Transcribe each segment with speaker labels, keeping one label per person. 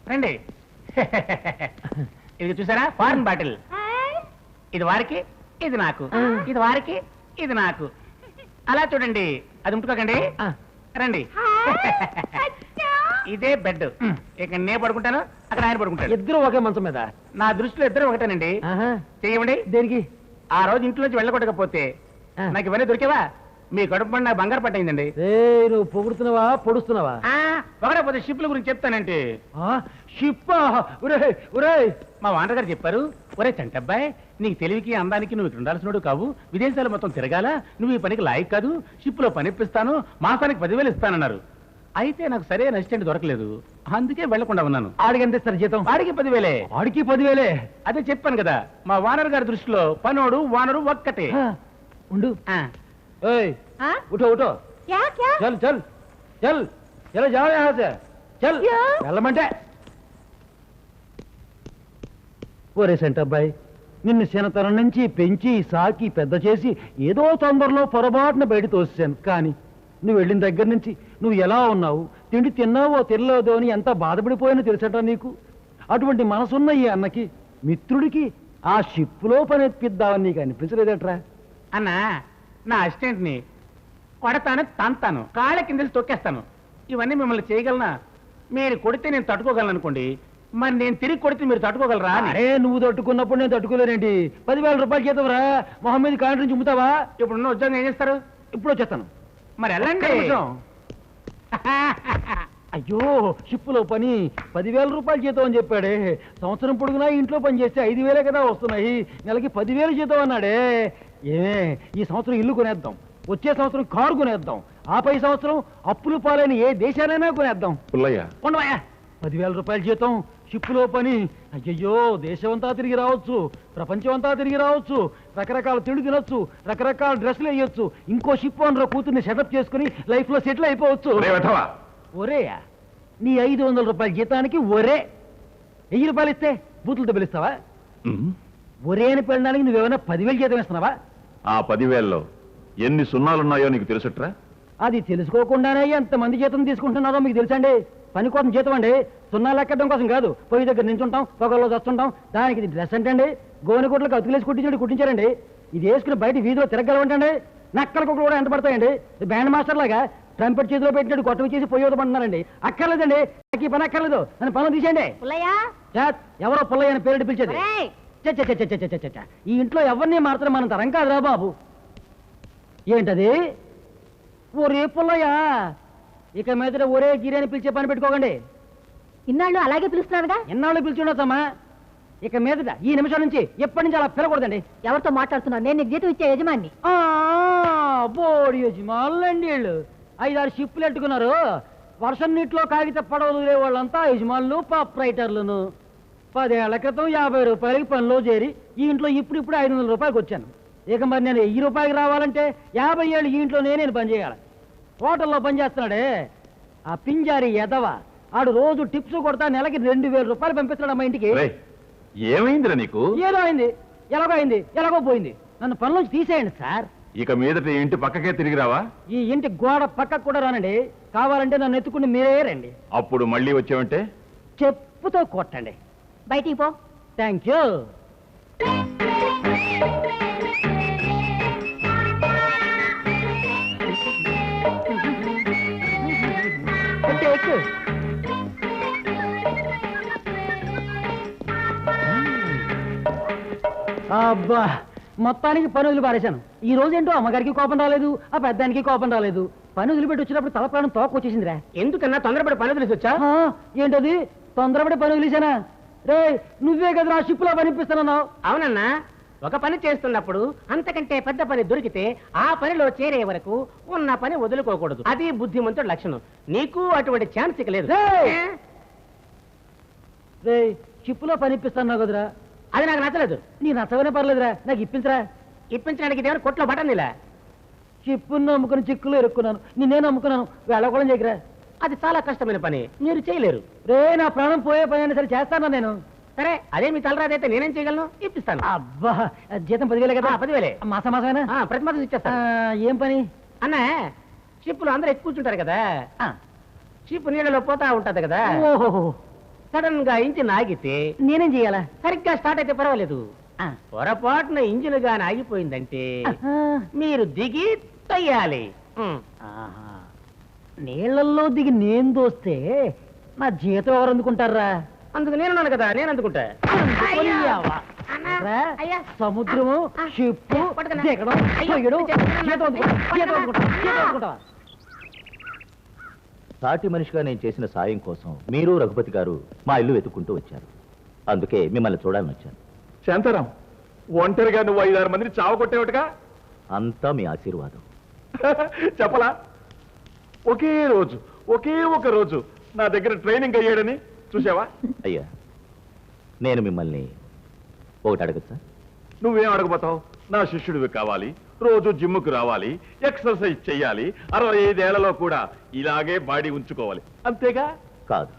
Speaker 1: రండి. ఇది చూసారా, ఫారెన్ బాటిల్. ఇది వారికి, ఇది నాకు. ఇది వారికి, ఇది నాకు. అలా చూడండి, అది ముట్టుకోకండి. రండి. ఇదే బెడ్. ఇక్కడ నేను పడుకుంటాను, అక్కడ ఆయన పడుకుంటాడు.
Speaker 2: ఇద్దరు ఒకే మంచం మీద.
Speaker 1: నా దృష్టిలో ఇద్దరు ఒకటేనండి. చెయ్యండి.
Speaker 2: దేనికి?
Speaker 1: ఆ రోజు ఇంట్లోంచి వెళ్ళకొట్టకపోతే నాకు ఇవన్నీ దొరికేవా? మీ కడుపు పండు నాకు బంగారు పట్టయిందండి.
Speaker 2: నువ్వు పొగుడుతున్నావా పొడుస్తున్నావా?
Speaker 1: పొగడపోతే షిప్ల గురించి చెప్తానంటే.
Speaker 2: షిప్పా?
Speaker 1: మా వాంటర్ గారు చెప్పారు, ఒరే చంటబ్బాయి, నీకు తెలివికి అందానికి నువ్వు ఇక్కడ ఉండాల్సినోడు కావు, విదేశాలు మొత్తం తిరగాల, నువ్వు ఈ పనికి లాయక్ కాదు, షిప్ లో పని ఇప్పిస్తాను, మాసానికి 10,000 ఇస్తానన్నారు. అయితే నాకు సరైన అసిస్టెంట్ దొరకలేదు, అందుకే వెళ్లకుండా ఉన్నాను.
Speaker 2: ఆడికి ఎంత ఇస్తారు జీతం?
Speaker 1: ఆడికి 10,000.
Speaker 2: ఆడికి 10,000?
Speaker 1: అదే చెప్పాను కదా, మా వానర్ గారి దృష్టిలో పనోడు వానరు ఒక్కటే.
Speaker 2: ఉండు. ఉఠో ఉఠో. చల్ చల్ చల్ చల్ జాओ यहाँ से చల్. వెళ్ళమంటే. ఒరే సెంటబ్బాయి, నిన్ను చిన్నతనం నుంచి పెంచి సాకి పెద్ద చేసి ఏదో తొందరలో పొరపాటున బయట తోసాను. కానీ నువ్వు వెళ్ళిన దగ్గర నుంచి నువ్వు ఎలా ఉన్నావు, తిండి తిన్నావో తినలేదో అని ఎంత బాధపడిపోయానో తెలుసట నీకు. అటువంటి మనసున్న ఈ అన్నకి, మిత్రుడికి ఆ షిప్లో పని ఎత్తిద్దామని నీకు అనిపించలేదట్రా?
Speaker 1: అన్నా, నా అసిస్టెంట్ ని కొడతాను, తంతాను, కాళ్ళ కింద తొక్కేస్తాను. ఇవన్నీ మిమ్మల్ని చేయగలనా? మీరు కొడితే నేను తట్టుకోగలను అనుకోండి, మరి నేను తిరిగి కొడితే మీరు తట్టుకోగలరా?
Speaker 2: అరే, నువ్వు తట్టుకున్నప్పుడు నేను తట్టుకోలేనండి. 10,000 రూపాయలు చేతవరా? మొహమ్మద్ కాంటి నుంచి ఉమ్ముతావా?
Speaker 1: ఇప్పుడున్న ఉద్యోగం ఏం చేస్తారు?
Speaker 2: ఇప్పుడు వచ్చేస్తాను.
Speaker 1: మరి వెళ్ళండి.
Speaker 2: అయ్యో, షిప్పులో పని 10,000 రూపాయలు జీతం అని చెప్పాడే. సంవత్సరం పొడుగునా ఇంట్లో పని చేస్తే 5,000 కదా వస్తున్నాయి, నెలకి 10,000 జీతం అన్నాడే. ఈ సంవత్సరం ఇల్లు కొనేద్దాం, వచ్చే సంవత్సరం కారు కొనేద్దాం, ఆపై సంవత్సరం అప్పులు పాలైన ఏ దేశాలైనా కొనేద్దాం. 10,000 రూపాయల జీతం, షిప్పులో పని. అయ్యయ్యో, దేశమంతా తిరిగి రావచ్చు, ప్రపంచం అంతా తిరిగి రావచ్చు, రకరకాల తిండి తినొచ్చు, రకరకాల డ్రెస్సులు వేయొచ్చు, ఇంకో షిప్ ఓనర్ కూతుర్ని సెటప్ చేసుకుని లైఫ్ లో సెటిల్ అయిపోవచ్చు. ఒరేయా, నీ 500 రూపాయల జీతానికి ఒరే 1000 రూపాయలు ఇస్తే బూతులతో పిలుస్తావా? ఒరే అని పెళ్ళడానికి నువ్వేమైనా 10,000 జీతం ఇస్తున్నావా?
Speaker 3: ఆ 10,000లో ఎన్ని సున్నాలున్నాయో నీకు తెలుసట్రా?
Speaker 2: అది తెలుసుకోకుండానే ఎంతమంది జీతం తీసుకుంటున్నారో మీకు తెలుసండి. పని కోసం జీతం అండి, సున్నాలు ఎక్కడం కోసం కాదు. పొయ్యి దగ్గర నించుంటాం, పొగల్లో చస్తుంటాం. దానికి ఇది డ్రెస్ అంటే గోనె గుడ్లకు అతుకులేసి కుట్టించారండి. ఇది వేసుకుని బయట వీధిలో తిరగలవంటండి. నక్కల కుక్కలు కూడా ఎంత పడతాయండి. బ్యాండ్ మాస్టర్ లాగా ట్రంపెట్ చేతిలో పెట్టినట్టు కొట్టవి చేసి పొయ్యి వదమంటున్నారండి. అక్కర్లేదండి, నాకు ఈ పని అక్కర్లేదు, నన్ను పనులు తీసేయండి. ఎవరో పుల్లయ్య అని పేరు పిలిచేది. ఈ ఇంట్లో ఎవరిని మాత్రం మన తరం కాదురా బాబు. ఏంటది? ఒరే పుల్లయ్య, ఇక మీద ఒరే గిరి అని పిలిచే పని పెట్టుకోకండి.
Speaker 4: ఇన్నాళ్ళు అలాగే పిలుస్తున్నారుగా.
Speaker 2: ఎన్నాళ్ళు పిలిచుండొచ్చమ్మా, ఇక మీదట ఈ నిమిషం నుంచి ఎప్పటి నుంచి అలా పిలకూడదండి.
Speaker 4: ఎవరితో మాట్లాడుతున్నావు? నేను నీకు జీతం ఇచ్చే యజమాని.
Speaker 2: బోడి యజమానులండి వీళ్ళు. 5-6 షిప్పులు ఎట్టుకున్నారు. వర్షం నీటిలో కాగిత పడవలు వాళ్ళంతా యజమానులు, ప్రాపరైటర్లను. 10 ఏళ్ల క్రితం 50 రూపాయలకి పనిలో చేరి ఈ ఇంట్లో ఇప్పుడు 500 రూపాయలకి వచ్చాను. ఇక మరి నేను 1000 రూపాయలకి రావాలంటే 50 ఏళ్ళు ఈ ఇంట్లోనే నేను పనిచేయాలి. హోటల్లో పనిచేస్తున్నాడే ఆ పింజారి ఎదవ, ఆడు రోజు టిప్స్ కొడతా నెలకి 2,000 రూపాయలు పంపిస్తున్నాడు అమ్మా ఇంటికి.
Speaker 3: ఏమైందిరా నీకు?
Speaker 2: ఏదో అయింది, ఎలాగో అయింది, ఎలాగో పోయింది. నన్ను పనిలోంచి తీసేయండి సార్.
Speaker 3: ఇక మీదట ఇంటి పక్కకే తిరిగి రావా?
Speaker 2: ఈ ఇంటి గోడ పక్కకు కూడా రానండి. కావాలంటే నన్ను ఎత్తుకుని మీరే రండి.
Speaker 3: అప్పుడు మళ్ళీ వచ్చావంటే
Speaker 2: చెప్పుతో కొట్టండి.
Speaker 4: బయటికి పో.
Speaker 2: Thank you. అబ్బా, మొత్తానికి పని వదిలి పారేశాను. ఈ రోజు ఏంటో అమ్మగారికి కోపం రాలేదు, ఆ పెద్దానికి కోపం రాలేదు. పని వదిలిపెట్టి వచ్చినప్పుడు తల ప్రాణం తోక వచ్చేసిందిరా.
Speaker 1: ఎందుకన్నా తొందరపడి పని వదిలేసి వచ్చా?
Speaker 2: ఏంటది తొందరపడి పని వదిలేశానా? రే, నువ్వే కదా నా షిప్ లో పనిపిస్తున్నావు.
Speaker 1: అవునన్నా, ఒక పని చేస్తున్నప్పుడు అంతకంటే పెద్ద పని దొరికితే ఆ పనిలో చేరే వరకు ఉన్న పని వదులుకోకూడదు. అది బుద్ధిమంతుడి లక్షణం. నీకు అటువంటి ఛాన్స్ ఇక లేదు.
Speaker 2: రే, షిప్ లో పనిపిస్తున్నావు కదరా,
Speaker 1: అది నాకు నచ్చలేదు.
Speaker 2: నీ నచ్చవనే పర్లేదురా, నాకు ఇప్పించరా.
Speaker 1: ఇప్పించడానికి ఇదేమైనా కొట్లో బటన్ ఇలా.
Speaker 2: షిప్పును నమ్ముకుని చిక్కులు ఎరుక్కున్నాను, నేనేం నమ్ముకున్నాను, వెళ్ళకూడదు దగ్గర.
Speaker 1: అది చాలా కష్టమైన పని, మీరు చేయలేరు.
Speaker 2: రే, నా ప్రాణం పోయే పని అయినా సరే చేస్తానా నేను.
Speaker 1: సరే, అదే మీ తలరాదైతే నేనేం చేయగలను, ఇప్పిస్తాను.
Speaker 2: అబ్బా, జీతం 10,000 కదా?
Speaker 1: 10,000
Speaker 2: మాసమేనా?
Speaker 1: ప్రతి మాసం ఇచ్చేస్తా.
Speaker 2: ఏం పని
Speaker 1: అన్నా? షిప్పులు అందరూ ఎక్కువ కూర్చుంటారు కదా, షిప్ నీళ్ళలో పోతా ఉంటది కదా.
Speaker 2: ఓహో,
Speaker 1: సడన్ గా ఇంజిన్ ఆగితే
Speaker 2: నేనేం చేయాలా?
Speaker 1: సరిగ్గా స్టార్ట్ అయితే పర్వాలేదు. పొరపాటున ఇంజిన్ గాని ఆగిపోయిందంటే మీరు దిగి తొయ్యాలి.
Speaker 2: ఆహా. నీళ్ళల్లో దిగి నేను దోస్తే నా జీతం ఎవరు అందుకుంటారా?
Speaker 1: అందుకు నేనున్నాను కదా, నేను అందుకుంటా.
Speaker 2: అందుకోనియావా? రా, సముద్రము షిప్పు దిగడం పొయ్యడం, జీతం అందుకుంటా, జీతం అందుకుంటా, జీతం అందుకుంటా.
Speaker 5: సాటి మనిషిగా నేను చేసిన సాయం కోసం మీరు రఘుపతి గారు మా ఇల్లు వెతుక్కుంటూ వచ్చారు. అందుకే మిమ్మల్ని చూడాలని వచ్చాను.
Speaker 3: శాంతారాం, ఒంటరిగా నువ్వు 5-6 మందిని చావకొట్టేవటగా?
Speaker 5: అంతా మీ ఆశీర్వాదం.
Speaker 3: చెప్పలా? ఒకే రోజు, ఒకే ఒక రోజు నా దగ్గర ట్రైనింగ్ అయ్యాడని చూసావా?
Speaker 5: అయ్యా, నేను మిమ్మల్ని ఒకటి అడగచ్చా?
Speaker 3: నువ్వేం అడగబోతావు? నా శిష్యుడివి కావాలి, రోజు జిమ్ముకు రావాలి, ఎక్సర్సైజ్ చెయ్యాలి, 65 ఏళ్లలో కూడా ఇలాగే బాడీ ఉంచుకోవాలి, అంతేగా?
Speaker 5: కాదు.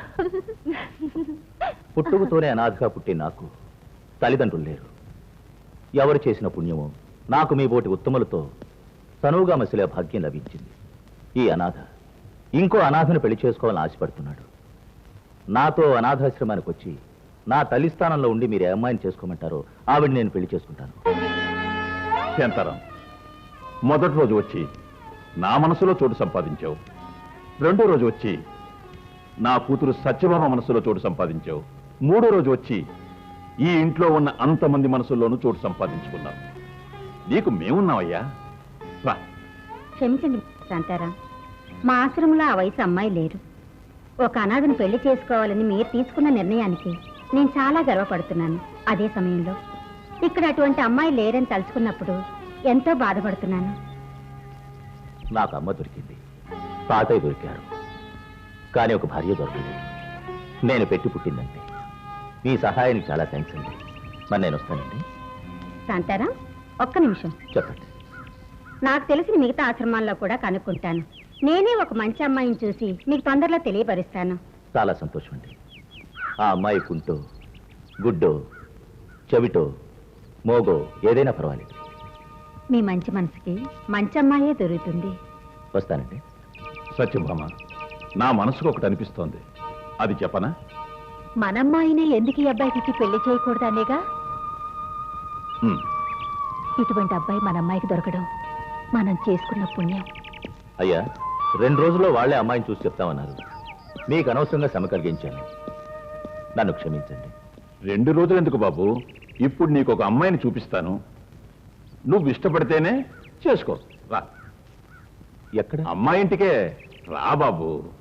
Speaker 5: పుట్టుకతోనే అనాథగా పుట్టి నాకు తల్లిదండ్రులు లేరు. ఎవరు చేసిన పుణ్యమో నాకు మీ బోటి ఉత్తములతో తనువుగా మసిలే భాగ్యం లభించింది. ఈ అనాథ ఇంకో అనాథను పెళ్లి చేసుకోవాలని ఆశపడుతున్నాడు. నాతో అనాథాశ్రమానికి వచ్చి నా తల్లి స్థానంలో ఉండి మీరు ఏ అమ్మాయిని చేసుకోమంటారో ఆవిడ నేను పెళ్లి చేసుకుంటాను.
Speaker 3: శాంతారాం, మొదటి రోజు వచ్చి నా మనసులో చోటు సంపాదించావు. రెండో రోజు వచ్చి నా కూతురు సత్యభామ మనసులో చోటు సంపాదించావు. మూడో రోజు వచ్చి ఈ ఇంట్లో ఉన్న అంతమంది మనసుల్లోనూ చోటు సంపాదించుకున్నావు. నీకు మేమున్నావయ్యా. రా.
Speaker 4: క్షమించండి శాంతారాం, మా ఆశ్రమంలో ఆ వయసు అమ్మాయి లేరు. ఒక అనాథను పెళ్లి చేసుకోవాలని మీరు తీసుకున్న నిర్ణయానికి నేను చాలా గర్వపడుతున్నాను. అదే సమయంలో ఇక్కడ అటువంటి అమ్మాయి లేరని తలుచుకున్నప్పుడు ఎంతో బాధపడుతున్నాను.
Speaker 5: నాకు అమ్మ దొరికింది, తాతయ్య దొరికారు, కానీ ఒక భార్య దొరకలేదు. నేను పెట్టి పుట్టిందంటే మీ సహాయానికి చాలా థ్యాంక్స్ అండి. మరి నేను వస్తానండి.
Speaker 4: శాంతారాం, ఒక్క నిమిషం.
Speaker 5: చెప్పండి.
Speaker 4: నాకు తెలిసిన మిగతా ఆశ్రమాల్లో కూడా కనుక్కుంటాను. నేనే ఒక మంచి అమ్మాయిని చూసి మీకు తొందరలో తెలియపరుస్తాను.
Speaker 5: చాలా సంతోషం అండి. ఆ అమ్మాయి కుంటో, గుడ్డో, చెవిటో, మోగో ఏదైనా పర్వాలేదు.
Speaker 4: మీ మంచి మనసుకి మంచి అమ్మాయే దొరుకుతుంది.
Speaker 5: వస్తానండి.
Speaker 3: సత్యభామ, నా మనసుకు ఒకటి అనిపిస్తోంది, అది చెప్పనా?
Speaker 4: మనమ్మాయినే ఎందుకు ఈ అబ్బాయికి పెళ్లి చేయకూడదనేగా. ఇటువంటి అబ్బాయి మన అమ్మాయికి దొరకడం మనం చేసుకున్న పుణ్యం.
Speaker 5: అయ్యా, 2 రోజుల్లో వాళ్లే అమ్మాయిని చూసి చెప్తామన్నారు. మీకు అనవసరంగా శ్రమ కలిగించాను, నన్ను క్షమించండి.
Speaker 3: 2 రోజులు ఎందుకు బాబు? ఇప్పుడు నీకు ఒక అమ్మాయిని చూపిస్తాను, నువ్వు ఇష్టపడితేనే చేసుకో. రా.
Speaker 5: ఎక్కడ?
Speaker 3: అమ్మాయి ఇంటికే రా బాబు.